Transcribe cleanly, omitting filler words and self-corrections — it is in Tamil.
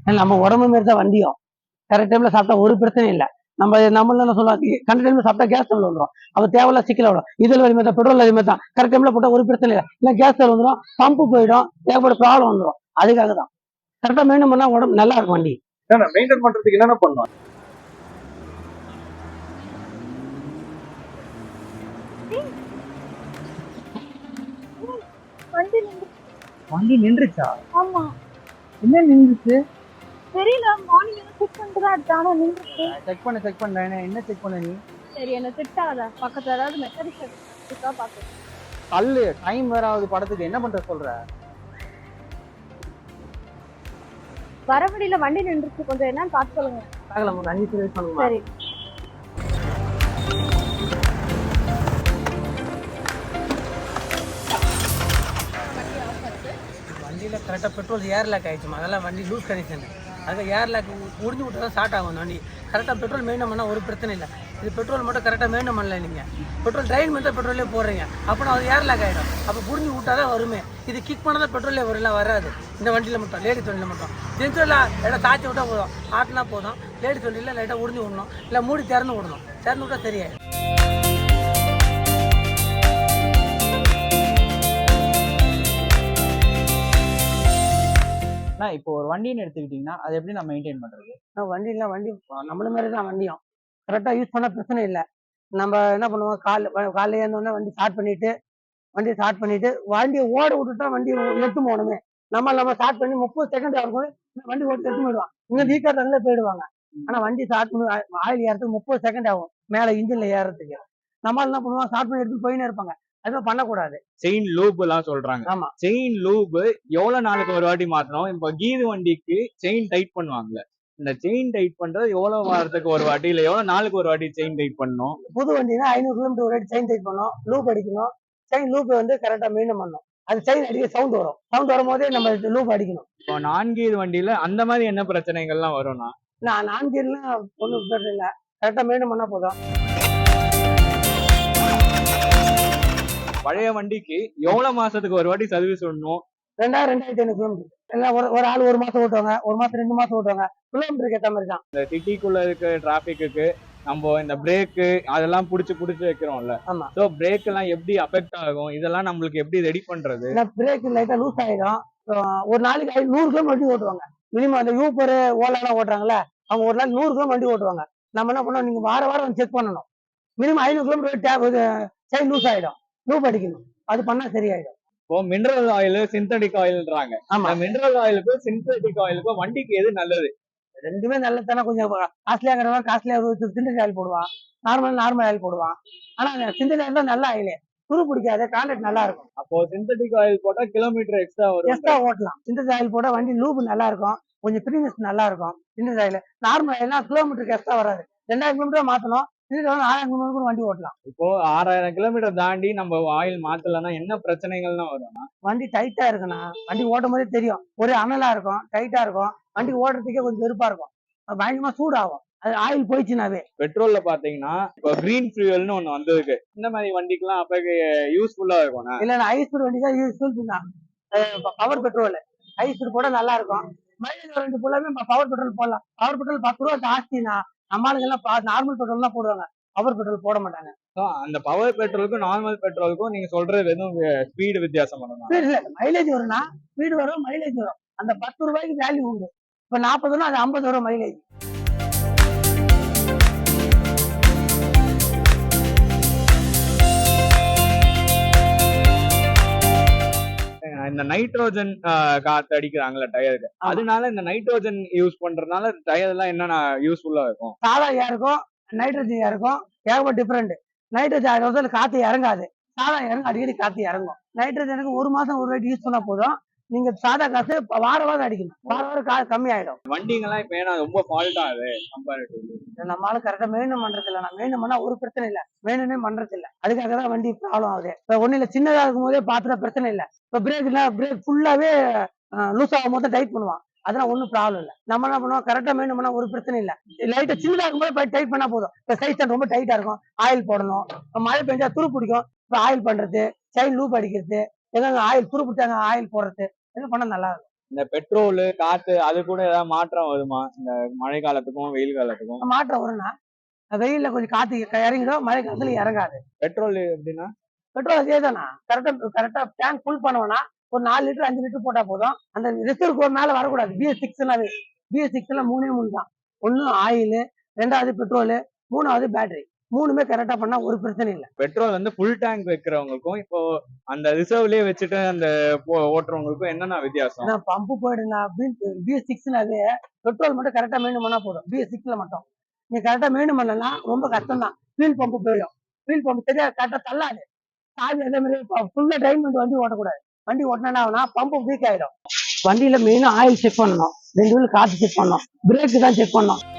நம்ம உடம்பு மாரி தான் வண்டியும். கரெக்ட் டைம்ல சாப்பிட்டா ஒரு பிரச்சனையும் இல்லை. நம்மள என்ன சொல்லுவாங்க, கரெக்ட் டைம்ல சாப்பிட்டா கேஸ் ட்ரபிள் வந்துடும். அப்ப தேவையில்ல சிக்கல வரும். இதில் வலிமை தான், பெட்ரோல் வலிமை தான். கரெக்ட் டைம்ல போட்டா ஒரு பிரச்சனை இல்லை. இல்லை கேஸ் ட்ரபிள் வந்துடும், பம்பு போயிடும், ஏகப்பட்ட ப்ராப்ளம் வந்துடும். அதுக்காக தான் கரெக்டா மெயின்டைன் பண்ணா உடம்பு நல்லா இருக்கும். வண்டி மெயின்டைன் பண்றதுக்கு என்னென்ன பண்ணுவாங்க? வண்டி நின்றுச்சா? ஆமா, என்ன நின்றுச்சு? தெரியல. மார்னிங் செக் பண்ணிட்டு தான் எடுத்தேன், ஆனா நின்றுச்சு. செக் பண்ண என்ன செக் பண்ண நீ? சரி, என்ன திட்டாத. பக்கத்துல ஏதாவது மெக்கானிக் இருக்கா பாக்க. கல்லு டைம் வேற ஆகுது படத்துக்கு, என்ன பண்ற சொல்ற? வர வழியில வண்டி நின்றுச்சு, கொஞ்சம் என்னன்னு பார்த்து சொல்லுங்க. பார்க்கலாம், ஒரு 5 நிமிஷம் பண்ணுங்க. சரி. வண்டியில கரெக்டாக பெட்ரோல் ஏர் லாக் ஆயிடுச்சுமா, அதெல்லாம் வண்டி லூஸ் கண்டிஷன். அதுக்கு ஏர் லாக் முடிஞ்சு விட்டு தான் ஸ்டார்ட் ஆகும் வண்டி. கரெக்டாக பெட்ரோல் மெயின்டைன் பண்ணால் ஒரு பிரச்சனை இல்லை. இது பெட்ரோல் மட்டும் கரெக்டாக மெயின்டைன் பண்ணல. நீங்கள் பெட்ரோல் ட்ரைன் மட்டும் பெட்ரோலே போடுறீங்க, அப்போ அது ஏர் லாக் ஆகிடும். அப்போ புரிஞ்சு விட்டா தான் வருமே. இது கிக் பண்ணால் தான் பெட்ரோலே வரலாம், வராது. இந்த வண்டியில் மட்டும், லேடிஸ் வண்டியில் மட்டும். ஜென்ஸில் லைட்டாக தாச்சி விட்டால் போதும், ஆட்டினா போதும். லேடிஸ் வண்டியில் லைட்டாக உறிஞ்சு விடணும், இல்லை மூடி திறந்து விடணும். திறந்து விட்டால் சரியாயிடும். இப்போ ஒரு வண்டின்னு எடுத்துக்கிட்டீங்கன்னா அதை எப்படி நான் மெயின்டைன் பண்றது? வண்டி நம்மள மாதிரி தான் வண்டியும். கரெக்டாக யூஸ் பண்ண பிரச்சனை இல்லை. நம்ம என்ன பண்ணுவோம், காலைல ஏந்தோடனே வண்டி ஸ்டார்ட் பண்ணிட்டு வண்டியை ஓட விட்டுட்டா வண்டி எடுத்து போகணுமே. நம்ம ஸ்டார்ட் பண்ணி 30 செகண்ட் ஆகும், வண்டி ஓட்டு எடுத்து போயிடுவான். இங்க வீக்காரங்களே போயிடுவாங்க. ஆனா வண்டி ஸ்டார்ட் பண்ணி ஆயில் ஏறதுக்கு 30 செகண்ட் ஆகும், மேல இன்ஜின்ல ஏறதுக்கு. நம்ம என்ன பண்ணுவோம், ஸ்டார்ட் பண்ணி எடுத்து போயினே இருப்பாங்க. அதுவும் பண்ணக்கூடாது. செயின் லூப் எல்லாம் சொல்றாங்க. ஆமா, செயின் லூப் எவ்வளவு நாளுக்கு ஒரு வாட்டி மாத்தணும்? இப்ப கீர் வண்டிக்கு செயின் டைட் பண்ணுவாங்கல்ல, இந்த செயின் டைட் பண்றது எவ்வளவு வாரத்துக்கு ஒரு வாட்டி, இல்ல எவ்வளவு நாளுக்கு ஒரு வாட்டி செயின் டைட் பண்ணணும்? புது வண்டினா 500 கிலோமீட்டர் ஒரு வாட்டி செயின் டைட் பண்ணணும், லூப் அடிக்கணும். செயின் லூப் வந்து கரெக்டா மெயின்டைன் பண்ணணும். அது செயின் அடிக்க சவுண்ட் வரும் போதே நம்ம லூப் அடிக்கணும். இப்போ 4 கீர் வண்டியில அந்த மாதிரி என்ன பிரச்சனைகள்லாம் வரும்னா? நான் 4 கீர்லாம் ஒன்றும் பிரச்சனை இல்லை, கரெக்டா மெயின்டைன் பண்ணா போதும். பழைய வண்டிக்கு எவ்வளவு மாசத்துக்கு ஒரு வாட்டி சர்வீஸ் விடணும்? 2500 கிலோமீட்டர். எல்லாம் ஒரு ஆள் 1 மாசம் ஓட்டுவாங்க, 1 மாசம் 2 மாசம் ஓட்டுவாங்க. கிலோமீட்டருக்கு ஏற்ற மாதிரி தான். இந்த சிட்டிக்குள்ள இருக்க டிராபிக்கு நம்ம இந்த பிரேக்கு அதெல்லாம் புடிச்சு வைக்கிறோம்ல. ஆமா. சோ பிரேக் எல்லாம் எப்படி அஃபெக்ட் ஆகும், இதெல்லாம் நம்மளுக்கு எப்படி ரெடி பண்றது? பிரேக் லைட்டா லூஸ் ஆயிடும். ஒரு நாளைக்கு 100 கிலோமீட்டர் வண்டி ஓட்டுவாங்க. மினிமம் அந்த யூபர் ஓலா எல்லாம் ஓட்டுறாங்கல்ல, அவங்க ஒரு நாள் 100 கிலோமீட்டர் வண்டி ஓட்டுவாங்க. நம்ம என்ன பண்ணோம், நீங்க வாரம் வந்து செக் பண்ணணும். மினிமம் 500 கிலோமீட்டர் செயின் லூஸ் ஆயிடும், லூப் அடிக்கணும். அது பண்ணா சரியாயிடும். இப்போ மினரல் ஆயில், சிந்தட்டிக் ஆயில்ன்றாங்க. ஆமா, மினரல் ஆயிலுக்கும் சிந்தட்டிக் ஆயிலுக்கும் வண்டிக்கு எது நல்லது? ரெண்டுமே நல்லது தானே. கொஞ்சம் காஸ்ட்லியா காஸ்ட்லியா சிந்தட்டிக் ஆயில் போடுவான், நார்மல் ஆயில் போடுவான். ஆனா சிந்தட்டிக் ஆயில் தான் நல்ல ஆயிலே, துரு பிடிக்காது, கான்ட்ராக்ட் நல்லா இருக்கும். அப்போ சிந்தட்டிக் ஆயில் போட்டா கிலோமீட்டர் எக்ஸ்ட்ரா ஓட்டலாம். சிந்தட்டிக் ஆயில் போட்டா வண்டி லூப் நல்லா இருக்கும், கொஞ்சம் ஃப்ரீனஸ் நல்லா இருக்கும். சிந்தட்டிக் ஆயில் நார்மல் ஆயில்னா கிலோமீட்டருக்கு எக்ஸ்ட்ரா வராது. 2000 கிலோமீட்டர் மாத்தணும், 1000 கிலோமீட்டர் வண்டி ஓட்டலாம். இப்போ 6000 கிலோமீட்டர் தாண்டி நம்ம ஆயில் மாத்தலன்னா என்ன பிரச்சனைகள்லாம் வரும்? வண்டி டைட்டா இருக்குன்னா, வண்டி ஓட்டும் போதே தெரியும், ஒரே அனலா இருக்கும், டைட்டா இருக்கும். வண்டி ஓடுறதுக்கே கொஞ்சம் வெறுப்பா இருக்கும், பயங்கரமா சூடாகும். அது ஆயில் போயிடுச்சுனாவே. பெட்ரோல்ல பாத்தீங்கன்னா இப்போ கிரீன் ஃபியூயல்னு ஒண்ணு வந்திருக்கு. இந்த மாதிரி வண்டிக்கெல்லாம் அப்ப யூஸ்ஃபுல்லா இருக்கும். இல்ல, ஹைஸ்பீட் வண்டி தான் யூஸ்ஃபுல் தான். பவர் பெட்ரோல் ஹைஸ்பீட் போட நல்லா இருக்கும். மைலேஜ் வண்டி ஃபுல்லாவே பவர் பெட்ரோல் போடலாம். பவர் பெட்ரோல் 10 ரூபா ஜாஸ்தினா நம்மளுக்கு எல்லாம் நார்மல் பெட்ரோல் தான் போடுவாங்க, பவர் பெட்ரோல் போட மாட்டாங்க. அந்த பவர் பெட்ரோலுக்கும் நார்மல் பெட்ரோலுக்கும் நீங்க சொல்றது வெறும் ஸ்பீடு வித்தியாசம் பண்ணணும். மைலேஜ் வரும்னா ஸ்பீடு வரும், மைலேஜ் வரும். அந்த 10 ரூபாய்க்கு வேல்யூ உண்டு. இப்ப 40 அது 50 வரும் மைலேஜ். இந்த நைட்ரோஜன் காத்து அடிக்கிறாங்கல்ல டயருக்கு, அதனால இந்த நைட்ரோஜன் யூஸ் பண்றதுனால டயர் எல்லாம் என்னென்ன யூஸ்ஃபுல்லா இருக்கும்? சாதா ஏருக்கும் நைட்ரோஜன் ஏருக்கும் ஏகப்பட்ட டிஃபரெண்ட். நைட்ரோஜன் காத்து இறங்காது, சாதா இறங்கும், அடிக்கடி காத்து இறங்கும். நைட்ரோஜனுக்கு 1 மாசம் ஒரு வாட்டி யூஸ் பண்ணா போதும். நீங்க சாதா காசு வாரம் அடிக்கணும், வாரம் காசு கம்மி ஆயிடும். வண்டிங்கெல்லாம் இப்ப ஏன்னா ரொம்ப ஃபால்ட் ஆகுது கம்பேரிட்டிவ்லி. நம்மளால கரெக்டா மெயின்டைன் பண்றது இல்ல. நான் மெயின்டைன் பண்ணா ஒரு பிரச்சனை இல்ல, மெயின்டைனே பண்றது இல்ல. அதுக்காக தான் வண்டி ப்ராப்ளம் ஆகுது. இப்ப ஒண்ணு இல்ல, சின்னதா இருக்கும் போதே பாத்துட்டா பிரச்சனை இல்ல. இப்ப பிரேக் ஃபுல்லாவே லூஸ் ஆகும் போது டைட் பண்ணுவான், அதெல்லாம் ஒன்றும் ப்ராப்ளம் இல்லை. நம்ம என்ன பண்ணுவோம், கரெக்டாக மெயின்டைன் பண்ணா ஒரு பிரச்சனை இல்லை. லைட்டாக சின்னதாக இருக்கும்போது டைட் பண்ணா போதும். இப்போ சைஸ் ரொம்ப டைட்டா இருக்கும், ஆயில் போடணும். மழை பெஞ்சா துரு பிடிக்கும், இப்போ ஆயில் பண்றது, செயின் லூப் அடிக்கிறது, எங்க ஆயில் துரு பிடிச்சாங்க ஆயில் போடுறது, இது பண்ணா நல்லா இருக்கும். இந்த பெட்ரோல் காத்து அது கூட ஏதாவது மாற்றம் வருமா இந்த மழை காலத்துக்கும் வெயில் காலத்துக்கும்? மாற்றம் வரும்னா வெயில்ல கொஞ்சம் காத்து இறங்கிடும், மழை காலத்துல இறங்காது. பெட்ரோல் எப்படின்னா? பெட்ரோல் அதே தானா, கரெக்டா டேங்க் ஃபுல் பண்ணுவோம்னா ஒரு 4 லிட்டர் 5 லிட்டர் போட்டா போதும். அந்த ரிசர்வ் மேல வரக்கூடாது. BS6 BS6 3 தான். ஒண்ணு ஆயில், ரெண்டாவது பெட்ரோல், மூணாவது பேட்டரி. மூணுமே கரெக்டா பண்ணா ஒரு பிரச்சனை இல்லை. பெட்ரோல் வந்து ஃபுல் டேங்க் வைக்கிறவங்களுக்கும் இப்போ அந்த ரிசர்வ்லயே வச்சுட்டு அந்த ஓட்டுறவங்களுக்கும் என்னென்ன வித்தியாசம்? ஏன்னா பம்பு போயிடுனா BS6 பெட்ரோல் மட்டும் கரெக்டா மெயின்டைன் பண்ணா போதும். BS6 மட்டும் நீ கரெக்டா மெயின்டைன் பண்ணலன்னா ரொம்ப கஷ்டம் தான். ஃபியூல் பம்பு போயிடும். ஃபியூல் பம்பு சரியா கரெக்டா தள்ளாது. சாவி அதே மாதிரி ஃபுல்லா ட்ரைன் பண்ணிட்டு வண்டி ஓட்டக்கூடாது. வண்டி ஓட்டினா பம்பு வீக் ஆயிடும். வண்டியில மெயினா ஆயில் செக் பண்ணணும், 2 வீல் காத்து செக் பண்ணணும், பிரேக் தான் செக் பண்ணணும்.